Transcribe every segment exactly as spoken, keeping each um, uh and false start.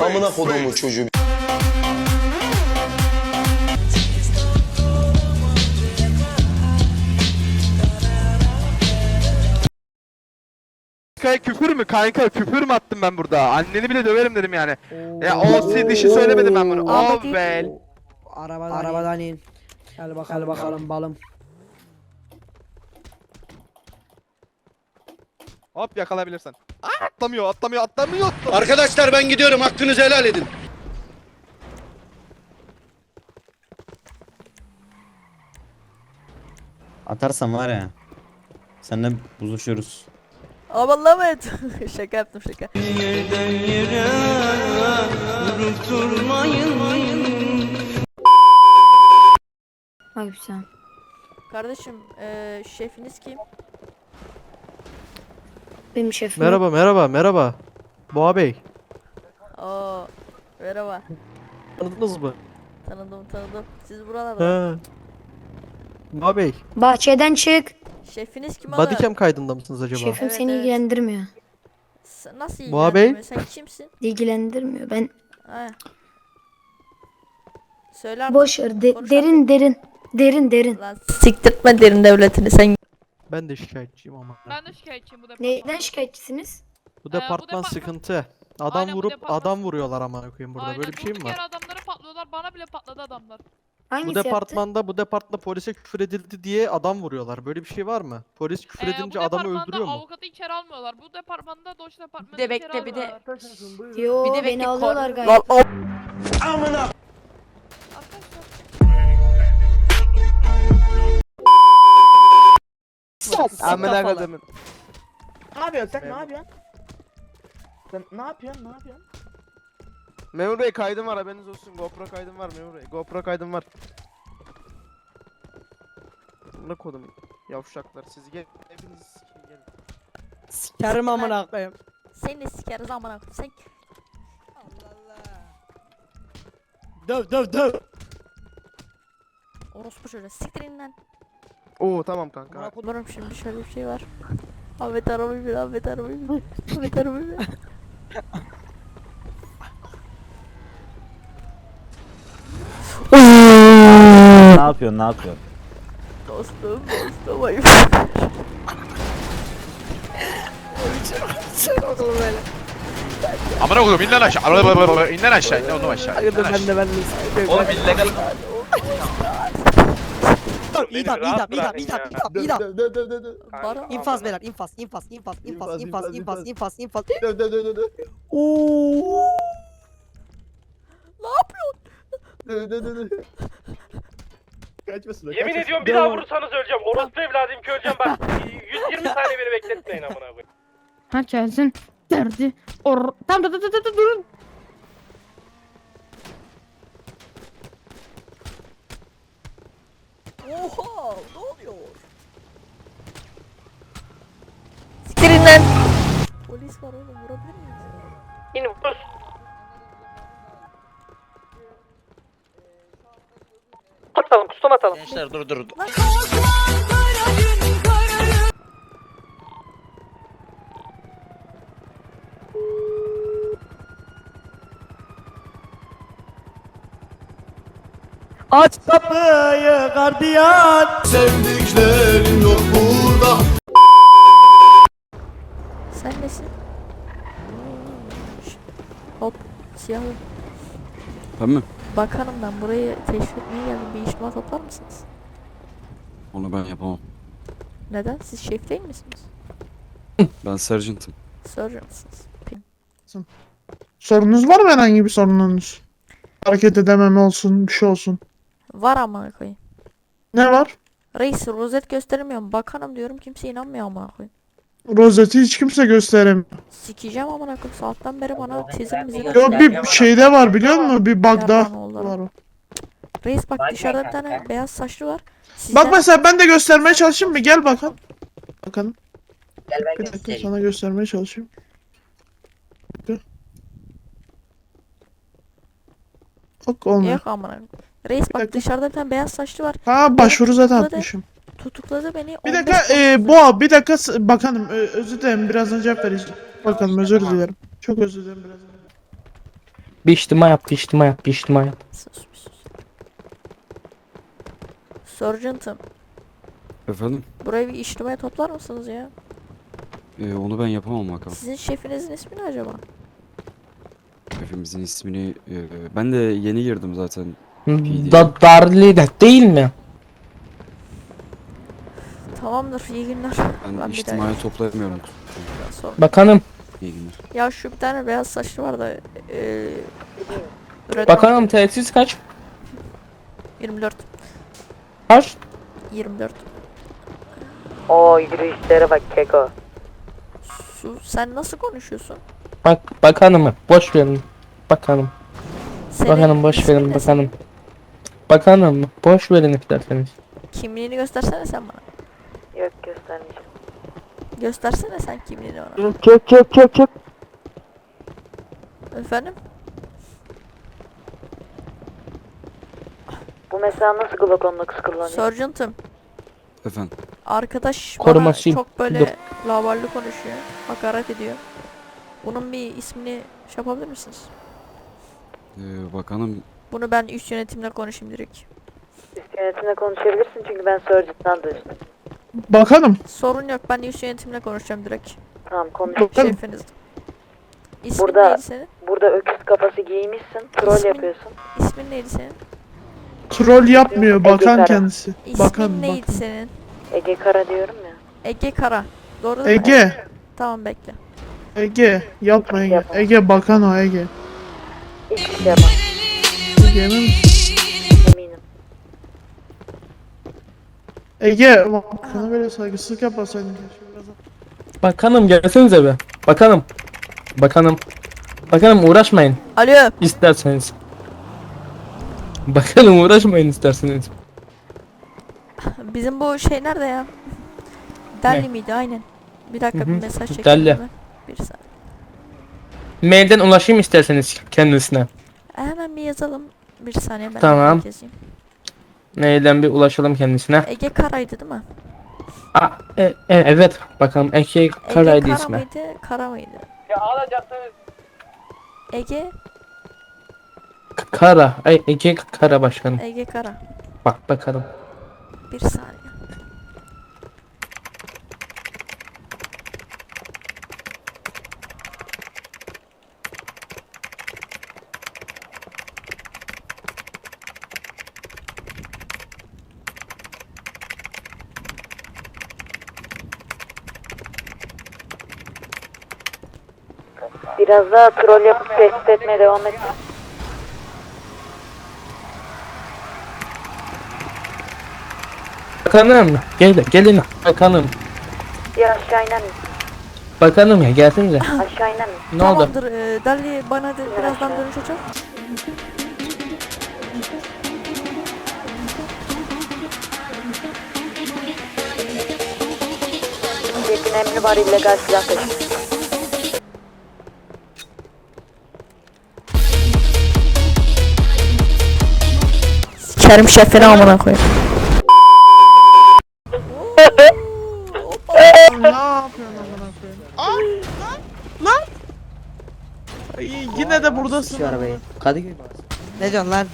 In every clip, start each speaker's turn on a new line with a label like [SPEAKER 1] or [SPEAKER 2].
[SPEAKER 1] Amına kodumun çocuğu.
[SPEAKER 2] Kankaya küfür mü? Kanka küfür mü attım ben burada? Anneni bile döverim dedim yani. Ya o si dişi söylemedim ben bunu. O vel.
[SPEAKER 3] Arabadan, Arabadan in. Gel bakalım, Gel bakalım balım.
[SPEAKER 2] Hop yakalayabilirsen. Aa, atlamıyor, atlamıyor, atlamıyor.
[SPEAKER 1] Arkadaşlar ben gidiyorum, hakkınızı helal edin.
[SPEAKER 4] Atarsan var ya. Seninle buzuşuyoruz.
[SPEAKER 5] Aman Ahmet. Şaka yaptım şaka.
[SPEAKER 6] Ay güzel.
[SPEAKER 5] Kardeşim eee şefiniz kim?
[SPEAKER 6] Benim şefim.
[SPEAKER 7] Merhaba merhaba merhaba. Boğa Bey.
[SPEAKER 5] Oo, merhaba.
[SPEAKER 7] Tanıdınız mı?
[SPEAKER 5] Tanıdım tanıdım. Siz buralarda.
[SPEAKER 7] He. Boğa Bey.
[SPEAKER 6] Bahçeden çık.
[SPEAKER 5] Şefiniz kim oğlum?
[SPEAKER 7] Bodycam kaydında mısınız acaba?
[SPEAKER 6] Şefim
[SPEAKER 5] Evet,
[SPEAKER 6] seni
[SPEAKER 5] evet.
[SPEAKER 6] ilgilendirmiyor.
[SPEAKER 5] S- Nasıl
[SPEAKER 7] Boğa Bey?
[SPEAKER 5] ilgilendirmiyor? Sen kimsin?
[SPEAKER 6] İlgilendirmiyor. Ben
[SPEAKER 5] Ha. Söyle artık.
[SPEAKER 6] boş ver. De-
[SPEAKER 5] Konuş
[SPEAKER 6] derin derin. Derin derin.
[SPEAKER 5] Lan siktirtme derin devletini sen.
[SPEAKER 7] Ben de şikayetçiyim ama.
[SPEAKER 8] Ben de şikayetçiyim bu departmanda.
[SPEAKER 6] Neyden şikayetçisiniz?
[SPEAKER 7] Bu
[SPEAKER 8] Ee, bu
[SPEAKER 7] departman
[SPEAKER 8] departman-
[SPEAKER 7] sıkıntı. Adam
[SPEAKER 8] Aynen, bu
[SPEAKER 7] vurup
[SPEAKER 8] departman
[SPEAKER 7] adam
[SPEAKER 8] sıkıntı.
[SPEAKER 7] vuruyorlar amına koyayım burada.
[SPEAKER 8] Aynen,
[SPEAKER 7] Böyle bir şey mi
[SPEAKER 8] durduk
[SPEAKER 7] var?
[SPEAKER 8] yere adamları patlıyorlar, bana bile patladı adamlar.
[SPEAKER 6] Hangisi
[SPEAKER 7] Bu
[SPEAKER 6] yaptı?
[SPEAKER 7] departmanda bu departmanda polise küfür edildi diye adam vuruyorlar. Böyle bir şey var mı? Polis küfür
[SPEAKER 8] Ee,
[SPEAKER 7] edince
[SPEAKER 8] bu
[SPEAKER 7] adamı
[SPEAKER 8] departmanda
[SPEAKER 7] öldürüyor mu?
[SPEAKER 8] avukatı içeri almıyorlar. Bu departmanda Doç departmanı
[SPEAKER 5] Bir de
[SPEAKER 8] içeri
[SPEAKER 5] bekle, bir de-
[SPEAKER 8] almıyorlar.
[SPEAKER 6] Yo
[SPEAKER 5] Bir de
[SPEAKER 6] beni
[SPEAKER 5] bekle,
[SPEAKER 6] alıyorlar
[SPEAKER 5] kor-
[SPEAKER 6] gayet.
[SPEAKER 5] Lan o-
[SPEAKER 8] Arkadaşlar.
[SPEAKER 2] Amına kodumun.
[SPEAKER 3] Ne yapıyorsun sen? Ne yapıyorsun? Sen ne yapıyorsun? Ne yapıyorsun?
[SPEAKER 2] Memur Bey kaydım var, haberiniz olsun. GoPro kaydım var Memur Bey. GoPro kaydım var. Amına kodum. Yavşaklar siz gel. Hepiniz sikin gelin.
[SPEAKER 3] Sikerim amına koyayım.
[SPEAKER 5] Seni de sikeriz amına koyayım. Sen
[SPEAKER 3] Döv döv döv.
[SPEAKER 5] orospu çocuğu siktirin lan.
[SPEAKER 2] Oo tamam kanka.
[SPEAKER 5] Umarım şimdi şöyle bir şey var. Ahmet arabayı bir, Ahmet arabayı bir. Ahmet arabayı bir.
[SPEAKER 4] Ne yapıyorsun ne yapıyorsun?
[SPEAKER 5] Dostum, dostum ayıp.
[SPEAKER 9] Amına koyayım in lan aşağı. Araba in lan aşağı. İn oğlum aşağı.
[SPEAKER 3] Hayırdır ben de ben de.
[SPEAKER 9] Oğlum illegal.
[SPEAKER 3] İdam idam idam idam idam idam.
[SPEAKER 1] Döv döv döv döv döv.
[SPEAKER 5] Baro.
[SPEAKER 3] İnfaz beyler infaz infaz infaz infaz infaz infaz infaz infaz.
[SPEAKER 1] Döv döv döv döv döv.
[SPEAKER 3] Ooo.
[SPEAKER 5] Ne yapıyorsun?
[SPEAKER 1] Döv döv döv döv. Kaçmasın.
[SPEAKER 10] Yemin ediyorum bir daha vurursanız öleceğim. Orospu evladım ki öleceğim bak. yüz yirmi saniye beni bekletmeyin amına koyayım.
[SPEAKER 8] Herkesin derdi. Or tamam dur dur dur dur durun.
[SPEAKER 5] Oha, ne oluyor? Siktirin lan. Polis var oğlum, vurabilir miyiz?
[SPEAKER 10] İn vur. Atalım, kustum atalım.
[SPEAKER 9] Gençler dur dur.
[SPEAKER 3] Aç kapıyı gardiyan.
[SPEAKER 1] Sevdiklerim yok burada.
[SPEAKER 5] Sen nesin? Şşt, hop, siyahlı.
[SPEAKER 11] Ben mi?
[SPEAKER 5] Bakanım ben burayı teşvik etmeye geldim. Bir işime toplar mısınız?
[SPEAKER 11] Onu ben yapamam.
[SPEAKER 5] Neden? Siz şef değil misiniz?
[SPEAKER 11] Ben sergeant'ım.
[SPEAKER 5] Surgeon mısınız? Peki.
[SPEAKER 12] Sorunuz var mı, herhangi bir sorununuz? Hareket edememe olsun, bir şey olsun.
[SPEAKER 5] Var amına koyayım.
[SPEAKER 12] Ne var?
[SPEAKER 5] Reis rozet göstermiyorum. Bakanım diyorum, kimse inanmıyor amına koyayım.
[SPEAKER 12] Rozeti hiç kimse gösteremiyor.
[SPEAKER 5] Sikeceğim amına koyayım. Saatten beri bana tezim bizi
[SPEAKER 12] Yo, bir şeyde var biliyor musun? Bir bug'da
[SPEAKER 5] Yardan oldu.
[SPEAKER 12] var o.
[SPEAKER 5] Reis bak dışarıda bir tane beyaz saçlı var.
[SPEAKER 12] Bak
[SPEAKER 5] Sizden...
[SPEAKER 12] mesela ben de göstermeye çalışayım mı? Gel bakalım. Bakalım. Bir dakika sana göstermeye çalışayım. Dur. Bak olmuyor.
[SPEAKER 5] Yok amına koyayım. Reis bak
[SPEAKER 12] dakika.
[SPEAKER 5] dışarıda bir tane beyaz saçlı var.
[SPEAKER 12] Ha, başvuru zaten
[SPEAKER 5] Tutukladı.
[SPEAKER 12] atmışım.
[SPEAKER 5] Tutukladı beni.
[SPEAKER 12] Bir
[SPEAKER 5] on beş
[SPEAKER 12] dakika e, Boğa, bir dakika s- bakanım, ö- özür dilerim, birazdan cevap vereceğim. Bakalım, özür dilerim. Çok özür dilerim, birazdan.
[SPEAKER 3] Bir içtima yap, bir içtima yap, bir içtima yap.
[SPEAKER 5] Sus bir sus. Sergeant'ım,
[SPEAKER 11] Efendim?
[SPEAKER 5] burayı bir içtimaya toplar mısınız ya?
[SPEAKER 11] Ee, onu ben yapamam bakalım.
[SPEAKER 5] Sizin şefinizin ismi ne acaba?
[SPEAKER 11] Hepimizin ismini... e, ben de yeni girdim zaten.
[SPEAKER 3] Da Darli de değil mi?
[SPEAKER 5] Tamamdır, iyi günler.
[SPEAKER 11] Ben,
[SPEAKER 5] Ben bir
[SPEAKER 11] içtimai toplayamıyorum.
[SPEAKER 5] daha sor.
[SPEAKER 3] Bakanım,
[SPEAKER 11] İyi günler.
[SPEAKER 5] Ya şu bir tane beyaz saçlı var da eee üretmen-
[SPEAKER 3] bakanım tesis kaç?
[SPEAKER 5] yirmi dört
[SPEAKER 3] Kaç?
[SPEAKER 5] yirmi dört.
[SPEAKER 3] Oo yürüyüşlere bak keko.
[SPEAKER 5] Su, sen nasıl konuşuyorsun?
[SPEAKER 3] Bak bakanım, boş verin. Bakanım,
[SPEAKER 5] Senin
[SPEAKER 3] bakanım boş
[SPEAKER 5] ismin
[SPEAKER 3] verin
[SPEAKER 5] ne
[SPEAKER 3] bakanım. Bakanım, boş verin isterseniz.
[SPEAKER 5] senin? Kimliğini göstersene sen bana.
[SPEAKER 3] Yok göstermeyeceğim.
[SPEAKER 5] Göstersene sen kimliğini bana.
[SPEAKER 3] Çök çök çök çök.
[SPEAKER 5] Efendim?
[SPEAKER 3] Bu mesela nasıl Glock on dokuz kullanıyor?
[SPEAKER 5] Sergeant'ım,
[SPEAKER 11] Efendim?
[SPEAKER 5] arkadaş
[SPEAKER 3] Korumasıyım.
[SPEAKER 5] bana çok böyle
[SPEAKER 3] Dur.
[SPEAKER 5] lavallı konuşuyor. Hakaret ediyor. Bunun bir ismini şey yapabilir misiniz?
[SPEAKER 11] Ee, bakanım...
[SPEAKER 5] Bunu ben üst yönetimle konuşayım direkt.
[SPEAKER 3] Üst yönetimle konuşabilirsin çünkü ben Surgeon'dan duydum. Bakanım.
[SPEAKER 5] Sorun yok, ben üst yönetimle konuşacağım direkt.
[SPEAKER 3] Tamam konuş.
[SPEAKER 5] Şefiniz. İsmin
[SPEAKER 3] Burada-
[SPEAKER 5] neydi senin?
[SPEAKER 3] Burada öküz kafası giymişsin, troll
[SPEAKER 5] İsmin-
[SPEAKER 3] yapıyorsun.
[SPEAKER 5] İsmin neydi senin?
[SPEAKER 12] Troll yapmıyor
[SPEAKER 3] Ege
[SPEAKER 12] bakan
[SPEAKER 3] Kara.
[SPEAKER 12] kendisi.
[SPEAKER 5] İsmin
[SPEAKER 12] Bakan
[SPEAKER 5] neydi
[SPEAKER 12] bakan.
[SPEAKER 5] senin?
[SPEAKER 3] Ege Kara diyorum ya.
[SPEAKER 5] Ege Kara. Doğru değil mi?
[SPEAKER 12] Ege.
[SPEAKER 5] Tamam, bekle.
[SPEAKER 12] Ege. Yapma Ege.
[SPEAKER 3] Yapma.
[SPEAKER 12] Ege bakan o Ege.
[SPEAKER 3] Hiçbir şey yapamam.
[SPEAKER 12] Ege emin misin?
[SPEAKER 3] Eminim.
[SPEAKER 12] Ege bak sana böyle saygısızlık yapmasaydın keşke biraz.
[SPEAKER 3] Bakanım gelsenize be. Bakanım. Bakanım. Bakanım uğraşmayın
[SPEAKER 5] Alo.
[SPEAKER 3] isterseniz. Bakanım uğraşmayın isterseniz.
[SPEAKER 5] Bizim bu şey nerede ya? Delhi
[SPEAKER 3] Ne?
[SPEAKER 5] miydi? Aynen. Bir dakika,
[SPEAKER 3] Hı
[SPEAKER 5] bir
[SPEAKER 3] hı.
[SPEAKER 5] mesaj çekeyim.
[SPEAKER 3] Delhi.
[SPEAKER 5] hemen. Bir saniye.
[SPEAKER 3] Mailden ulaşayım isterseniz kendisine.
[SPEAKER 5] Hemen bir yazalım. Bir saniye ben
[SPEAKER 3] Tamam.
[SPEAKER 5] bir yazayım.
[SPEAKER 3] Mailden bir ulaşalım kendisine.
[SPEAKER 5] Ege Kara'ydı değil mi?
[SPEAKER 3] Aa, e, e, evet bakalım Ege
[SPEAKER 5] Ege
[SPEAKER 3] Karaydı
[SPEAKER 5] Kara
[SPEAKER 3] ismi.
[SPEAKER 5] mıydı? Kara mıydı?
[SPEAKER 10] Ya alacaksınız.
[SPEAKER 5] Ege,
[SPEAKER 3] K- Kara. Ay, Ege Kara başkanım.
[SPEAKER 5] Ege Kara.
[SPEAKER 3] Bak bakalım.
[SPEAKER 5] Bir saniye.
[SPEAKER 3] Biraz daha troll yapıp tehdit etmeye devam et.
[SPEAKER 12] Bakanım gel gelin bakanım.
[SPEAKER 3] Ya aşağı iner misin?
[SPEAKER 12] Bakanım ya gelsenize.
[SPEAKER 3] Aşağı iner misin?
[SPEAKER 12] Ne oldu?
[SPEAKER 5] Tamamdır. E, Delhi bana de, birazdan dönüş açar.
[SPEAKER 3] Şefin emri var illegal silah taşıyor.
[SPEAKER 5] Sikerim şefini amına koyayım.
[SPEAKER 12] Ne yapıyorsun amına koyayım? Ay lan lan. Ay, yine de buradasın.
[SPEAKER 3] Şu arabayı. Kadıköy.
[SPEAKER 7] Ne diyorsun lan?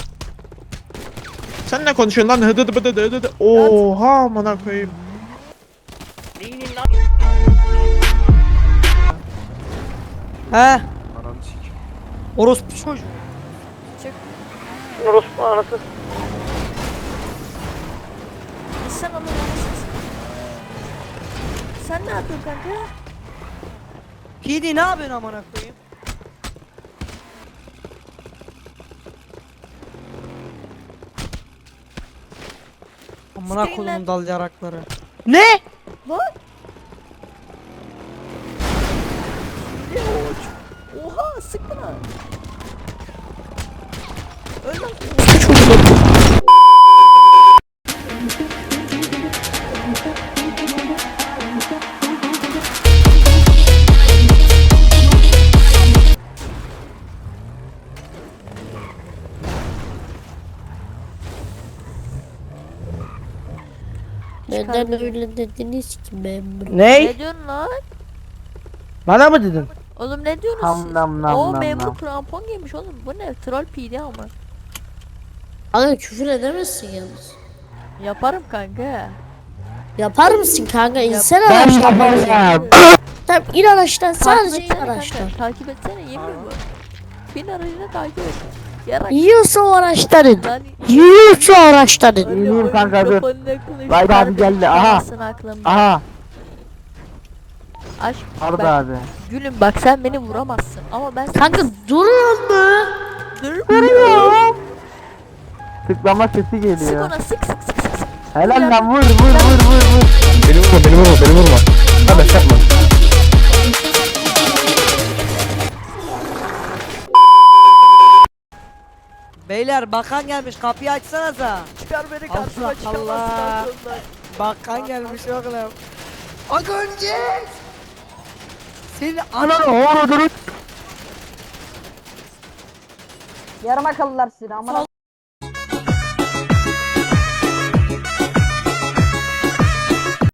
[SPEAKER 12] Sen ne konuşuyorsun lan? Hıdı hıdı hıdı hıdı. Oha amına koyayım.
[SPEAKER 7] He? Orospu çocuğu.
[SPEAKER 3] Orospu anası.
[SPEAKER 5] Sen onu nasılsın? Sen ne yapıyorsun kanka?
[SPEAKER 7] P D ne yapıyorsun amına koyayım? Amına
[SPEAKER 5] Sikeyim lan.
[SPEAKER 7] koyduğum dal yarakları. Ne?
[SPEAKER 5] Lan! Oha, sıktın ha. Öl lan.
[SPEAKER 8] Neden öyle dediniz ki memur?
[SPEAKER 7] Ne?
[SPEAKER 5] Ne diyorsun lan?
[SPEAKER 7] Bana mı dedin?
[SPEAKER 5] Oğlum ne diyorsunuz
[SPEAKER 3] Nam
[SPEAKER 5] siz?
[SPEAKER 3] nam nam
[SPEAKER 5] Oo
[SPEAKER 3] nam
[SPEAKER 5] memur
[SPEAKER 3] nam.
[SPEAKER 5] krampon giymiş oğlum. Bu ne? Troll P D ama.
[SPEAKER 6] Kanka küfür edemezsin yalnız.
[SPEAKER 5] Yaparım kanka.
[SPEAKER 6] Yapar mısın kanka? İnsene
[SPEAKER 3] Ben
[SPEAKER 6] araçtan.
[SPEAKER 3] yaparım.
[SPEAKER 6] Tamam in araçtan.
[SPEAKER 5] Takip
[SPEAKER 6] Sadece in
[SPEAKER 5] etsene
[SPEAKER 6] araçtan.
[SPEAKER 5] kanka. Takip etsene yemin bu. Bin aracını takip et. Yarak.
[SPEAKER 6] Yiyorsa o araçtan in.
[SPEAKER 5] Lan
[SPEAKER 6] Yiyorsa o araçtan in.
[SPEAKER 3] İneyim kanka, dur.
[SPEAKER 5] mikrofonun yakınlaştı.
[SPEAKER 3] Vay be abi geldi, aha.
[SPEAKER 5] Çıkamazsın aklımda.
[SPEAKER 3] Aha.
[SPEAKER 5] Aşk
[SPEAKER 3] Arda
[SPEAKER 5] bak,
[SPEAKER 3] abi.
[SPEAKER 5] gülüm bak sen beni vuramazsın. Ama ben seni
[SPEAKER 6] Kanka duruyor mu?
[SPEAKER 5] durmuyorum.
[SPEAKER 3] Tıklama sesi
[SPEAKER 5] Sık
[SPEAKER 3] geliyor.
[SPEAKER 5] ona sık sık sık sık sık.
[SPEAKER 3] Helal lan, vur vur vur vur vur.
[SPEAKER 1] Beni vurma beni vurma beni vurma. Kardeş yapma.
[SPEAKER 3] Beyler bakan gelmiş, kapıyı açsanıza.
[SPEAKER 5] Çıkar beni karşıma
[SPEAKER 3] Allah
[SPEAKER 5] çıkamazsın
[SPEAKER 3] Allah.
[SPEAKER 5] aklımdan.
[SPEAKER 3] Bakan gelmiş oğlum. Akıncı! Senin ananı oğlunu.
[SPEAKER 8] Yarım akıllılar sizi ama.